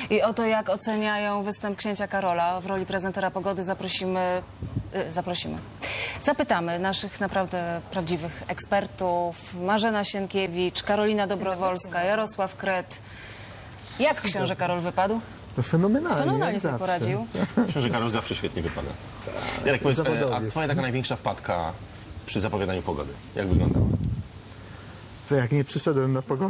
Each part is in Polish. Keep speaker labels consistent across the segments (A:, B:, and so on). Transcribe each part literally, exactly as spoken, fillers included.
A: I o to, jak oceniają występ księcia Karola w roli prezentera pogody, zaprosimy, y, zaprosimy. Zapytamy naszych naprawdę prawdziwych ekspertów. Marzena Sienkiewicz, Karolina Dobrowolska, Jarosław Kret. Jak książę Karol wypadł?
B: No fenomenalnie,
A: Fenomenalnie
B: jak
A: sobie
B: zawsze.
A: poradził.
C: Myślę, że Karol zawsze świetnie wypada. Jarek, powiedz, e, a
B: Zawodowiec.
C: twoja taka największa wpadka przy zapowiadaniu pogody, jak wyglądała?
B: To jak nie przyszedłem na pogodę.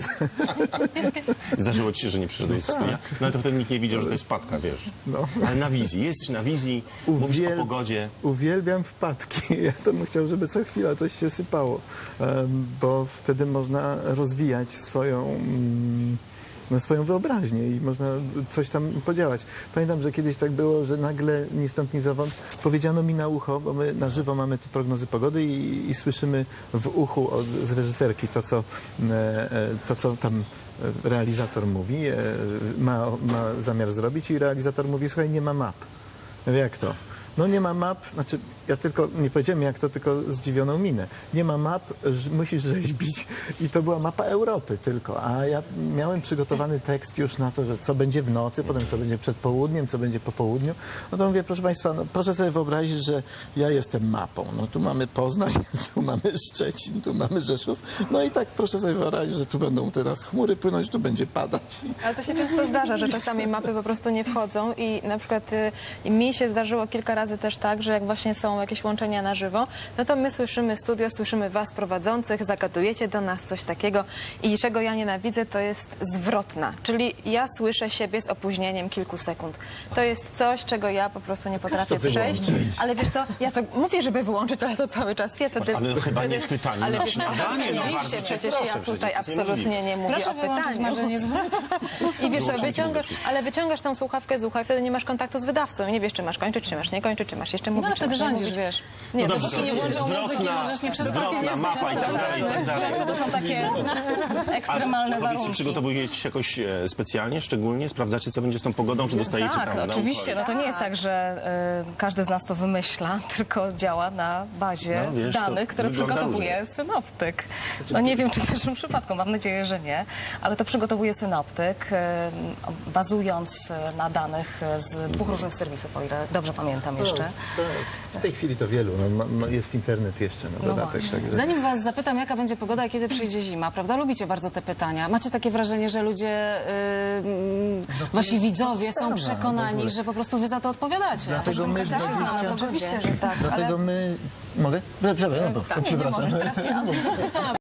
C: Zdarzyło ci się, że nie przyszedłeś z studia? No ale to wtedy nikt nie widział, że to jest wpadka, wiesz.
B: No.
C: Ale na wizji, jesteś na wizji, mówisz o
B: Uwiel-
C: pogodzie.
B: Uwielbiam wpadki. Ja to bym chciał, żeby co chwila coś się sypało, em, bo wtedy można rozwijać swoją, mm, no, swoją wyobraźnię i można coś tam podziałać. Pamiętam, że kiedyś tak było, że nagle ni stąd, ni zowąd powiedziano mi na ucho, bo my na żywo mamy te prognozy pogody i, i słyszymy w uchu od, z reżyserki to, co, e, e, to, co tam realizator mówi, e, ma, ma zamiar zrobić i realizator mówi, słuchaj, nie ma map. Ja mówię, jak to? No nie ma map, znaczy ja tylko nie powiedziałem jak to, tylko zdziwioną minę. Nie ma map, ż- musisz rzeźbić i to była mapa Europy tylko, a ja miałem przygotowany tekst już na to, że co będzie w nocy, potem co będzie przed południem, co będzie po południu. No to mówię, proszę Państwa, no proszę sobie wyobrazić, że ja jestem mapą. No tu mamy Poznań, tu mamy Szczecin, tu mamy Rzeszów. No i tak proszę sobie wyobrazić, że tu będą teraz chmury płynąć, tu będzie padać.
D: Ale to się często zdarza, że czasami mapy po prostu nie wchodzą i na przykład y, mi się zdarzyło kilka razy też tak, że jak właśnie są jakieś łączenia na żywo, no to my słyszymy studio, słyszymy was prowadzących, zagadujecie do nas coś takiego i czego ja nienawidzę, to jest zwrotna, czyli ja słyszę siebie z opóźnieniem kilku sekund. To jest coś, czego ja po prostu nie potrafię przejść, ale wiesz co, ja to mówię, żeby wyłączyć, ale to cały czas jest. To
C: Ale chyba nie w pytaniu
D: ale
C: na
D: wiesz,
C: śniadanie, no bardzo
D: oczywiście,
C: cię
D: przecież
C: proszę,
D: ja
C: przecież
D: tutaj
C: to jest
D: absolutnie
C: niemożliwe.
D: nie mówię
A: Proszę
D: o
A: wyłączyć
D: pytaniu.
A: marzenie zwrotne.
D: I wiesz co,
C: Wyłączam ci
D: wyciągasz,
C: mówię
D: ale wyciągasz tą słuchawkę z ucha i wtedy nie masz kontaktu z wydawcą i nie wiesz, czy masz kończyć, czy masz nie kończyć, czy masz jeszcze mówić,
A: No ale
D: czy
A: wtedy
D: masz nie
A: rządzisz,
D: mówić.
A: wiesz.
D: Nie,
C: No
D: to
C: dobrze,
A: się nie
C: to jest
A: włączą muzyki,
C: zwrotna,
A: możesz nie przestać.
C: zwrotna mapa i tak dalej, i tak dalej.
A: Często to są takie ekstremalne
C: Ale powiedzcie,
A: warunki.
C: przygotowujecie się jakoś e, specjalnie, szczególnie? Sprawdzacie, co będzie z tą pogodą, czy dostajecie
A: Tak,
C: tam
A: oczywiście. No
C: naukowe?
A: to nie jest tak, że y, każdy z nas to wymyśla, tylko działa na bazie
C: No, wiesz, to
A: danych, które
C: wygląda
A: przygotowuje synoptyk. No nie wiem, czy w naszym przypadku, mam nadzieję, że nie, ale to przygotowuje synoptyk, y, bazując na danych z dwóch różnych serwisów, o ile dobrze pamiętam jeszcze.
B: To, w tej chwili to wielu, no, ma, ma, jest internet jeszcze na
A: No
B: dodatek.
A: właśnie.
B: także...
A: Zanim was zapytam, jaka będzie pogoda i kiedy przyjdzie zima, prawda? Lubicie bardzo te pytania. Macie takie wrażenie, że ludzie, yy, wasi widzowie są
B: podstawa, w
A: przekonani,
B: ogóle.
A: że po prostu wy za to odpowiadacie.
B: Dlatego my
A: Każdy się zna na
B: dwadzieścia
A: pogodzie.
D: Oczywiście, że tak,
B: Dlatego
D: ale...
B: my... Mogę? Przepraszam,
D: Nie, nie możesz, teraz ja.